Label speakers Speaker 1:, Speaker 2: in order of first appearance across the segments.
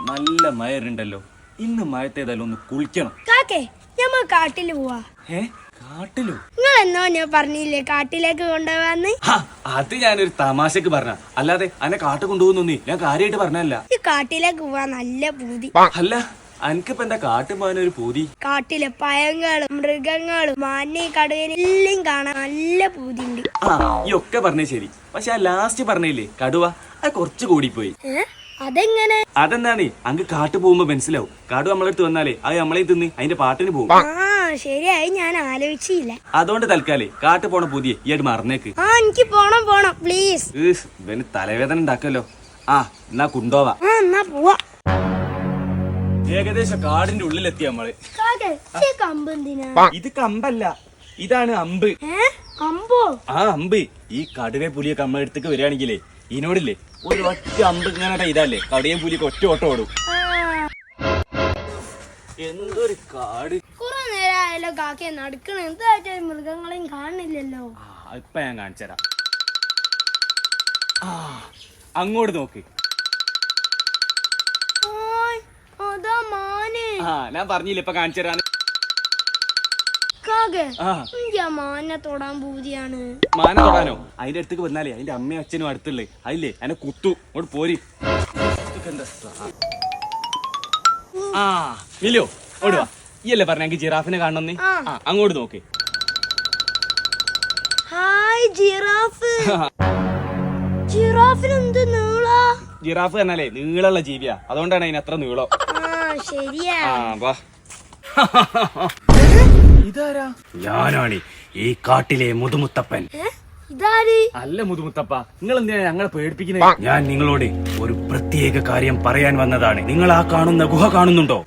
Speaker 1: നല്ല മയറുണ്ടല്ലോ. ഇന്ന് മയത്തേതായാലും ഒന്ന് കുളിക്കണം.
Speaker 2: കാക്കേ ഞമ്മ കാട്ടില് പോവാ.
Speaker 1: കാട്ടിലോ?
Speaker 2: നിങ്ങൾ എന്നോ ഞാൻ പറഞ്ഞില്ലേ കാട്ടിലേക്ക് കൊണ്ടുപോവാന്ന്.
Speaker 1: അത് ഞാനൊരു തമാശക്ക് പറഞ്ഞ, അല്ലാതെ അന്നെ കാട്ട് കൊണ്ടുപോകുന്നൊന്നേ ഞാൻ കാര്യമായിട്ട് പറഞ്ഞല്ല.
Speaker 2: ഈ കാട്ടിലേക്ക് പോവാ നല്ല പൂതി.
Speaker 1: അല്ല അനക്കിപ്പ എന്താ കാട്ടു പോകാനൊരു പൂതി?
Speaker 2: കാട്ടിലെ പഴങ്ങളും മൃഗങ്ങളും മാനെ കടുവനെ എല്ലാം കാണാൻ നല്ല പൂതിണ്ട്.
Speaker 1: ഈ ഒക്കെ പറഞ്ഞേ ശരി, പക്ഷെ ആ ലാസ്റ്റ് പറഞ്ഞില്ലേ കടുവ, അത് കുറച്ച് കൂടിപ്പോയി.
Speaker 2: അതെങ്ങനെ?
Speaker 1: അതെന്താണ് അങ്ക് കാട്ടു പോകുമ്പോ മനസ്സിലാവും. കടുവ നമ്മളെടുത്ത് വന്നാലേ അത് നമ്മളെ തിന്ന് അതിന്റെ പാട്ടിന് പോകും.
Speaker 2: ശരിയായി, ഞാൻ ആലോചിച്ചില്ല.
Speaker 1: അതുകൊണ്ട് തൽക്കാലേ കാട്ടു പോണ പുതിയ ഈ ആയിട്ട് മറന്നേക്ക്.
Speaker 2: എനിക്ക് പോണം പ്ലീസ്.
Speaker 1: ഇവന് തലവേദന ഉണ്ടാക്കല്ലോ. എന്നാ കുണ്ടോവാ.
Speaker 2: എന്നാ പോവാ.
Speaker 1: ഏകദേശം കാടിന്റെ ഉള്ളിലെത്തി നമ്മള്. ഇത് കമ്പല്ല, ഇതാണ് അമ്പ്.
Speaker 2: അമ്പോ?
Speaker 1: അമ്പ്. ഈ കടുവ പുലിയൊക്കെ നമ്മളെ അടുത്തേക്ക് വരികയാണെങ്കിലേ ഇതിനോടില്ലേ ഒരു ഒറ്റ അമ്പ് ഇങ്ങനെ ഇതല്ലേ കടുവയും പുലിയൊക്കെ ഒറ്റ ഓട്ടം ഓടും. എന്തൊരു കാട്.
Speaker 2: കുറെ നേരമായാലോ കാക്കയെ നടക്കണ, എന്തായിട്ട് മൃഗങ്ങളെയും കാണുന്നില്ലല്ലോ.
Speaker 1: ഇപ്പൊ ഞാൻ കാണിച്ചുതരാം. അങ്ങോട്ട് നോക്ക്.
Speaker 2: അതാ മാന്.
Speaker 1: ഞാൻ പറഞ്ഞില്ല ഇപ്പൊ കാണിച്ചു തരാൻ.
Speaker 2: മാനെ തൊടാൻ പൂതിയാണ്.
Speaker 1: മാന തൊടാനോ? അതിന്റെ അടുത്തേക്ക് വന്നാലേ അതിന്റെ അമ്മയും അച്ഛനും അടുത്തുള്ളേ അതില്ലേ അതിനെ കുത്തു. അങ്ങോട്ട് പോരി. ഇല്ലോ ഓടുവാ. ഈ അല്ലേ പറഞ്ഞ ജിറാഫിനെ കാണണമെന്ന്. അങ്ങോട്ട് നോക്ക്.
Speaker 2: Hi giraffe. ജിറാഫിന് എന്ത് നീളാ?
Speaker 1: ജിറാഫ് എന്നാലേ നീളമുള്ള ജീവിയാ, അതുകൊണ്ടാണ് അതിന് അത്ര നീളം.
Speaker 2: ശരിയാ.
Speaker 1: ഇതാരാ? ഞാനാണ് ഈ കാട്ടിലെ മുതുമുത്തപ്പൻ. അല്ല മുതുമുത്തപ്പ, നിങ്ങൾ എന്തിനാ ഞങ്ങളെ പേടിപ്പിക്കുന്നത്? ഞാൻ നിങ്ങളോട് ഒരു പ്രത്യേക കാര്യം പറയാൻ വന്നതാണ്. നിങ്ങൾ ആ കാണുന്ന ഗുഹ കാണുന്നുണ്ടോ?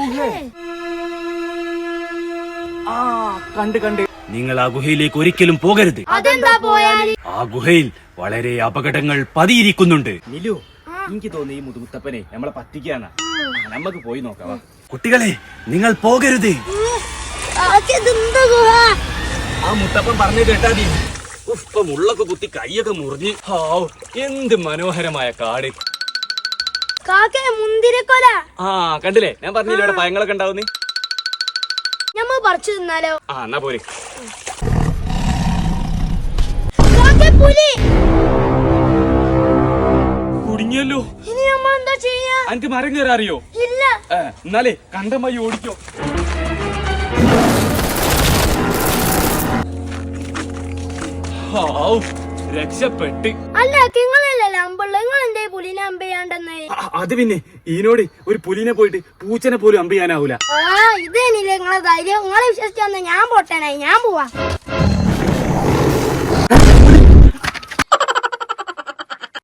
Speaker 1: കണ്ട് നിങ്ങൾ ആ ഗുഹയിലേക്ക് ഒരിക്കലും പോകരുത്. ആ ഗുഹയിൽ വളരെ അപകടങ്ങൾ പതിയിരിക്കുന്നുണ്ട്. നിലു, എനിക്ക് തോന്നി ഈ മുതുമുത്തപ്പനെ നമ്മളെ പറ്റിക്കാണ്. നമുക്ക് പോയി നോക്കാം. കുട്ടികളെ, നിങ്ങൾ പോകരുത്. ആ മുത്തപ്പൻ പറഞ്ഞു കേട്ടാ മതി. ഇപ്പൊ മുള്ളൊക്കെ കുത്തി കൈയൊക്കെ മുറിഞ്ഞ്. എന്ത് മനോഹരമായ കാട്.
Speaker 2: മുന്തിരിക്കൊല.
Speaker 1: കണ്ടില്ലേ, ഞാൻ പറഞ്ഞില്ലേ ഇവിടെ പഴങ്ങളൊക്കെ ഉണ്ടാവുന്നേ.
Speaker 2: ഞമ്മ പറിച്ചു തിന്നാലോ?
Speaker 1: എന്നാ പോരെ. കുടുങ്ങിയല്ലോ.
Speaker 2: ഇനി നമ്മൾ എന്താ ചെയ്യാ?
Speaker 1: എനിക്ക് മരം കയറാൻ അറിയോ?
Speaker 2: ഇല്ല.
Speaker 1: എന്നാലേ കണ്ടമായി ഓടിക്കോ. രക്ഷപ്പെട്ട്.
Speaker 2: അല്ല നിങ്ങളല്ലേ അമ്പുള്ള, നിങ്ങൾ എന്തേ പുലിനെ അമ്പയാണ്ടെന്ന്?
Speaker 1: അത് പിന്നെ ഈനോട് ഒരു പുലിനെ പോയിട്ട് പൂച്ചനെ പോലും അമ്പയാനാവൂല.
Speaker 2: ഇതേനില്ലേ നിങ്ങളെ ധൈര്യം? നിങ്ങളെ വിശ്വസിച്ചു ഞാൻ പോട്ടേനായി. ഞാൻ പോവാ.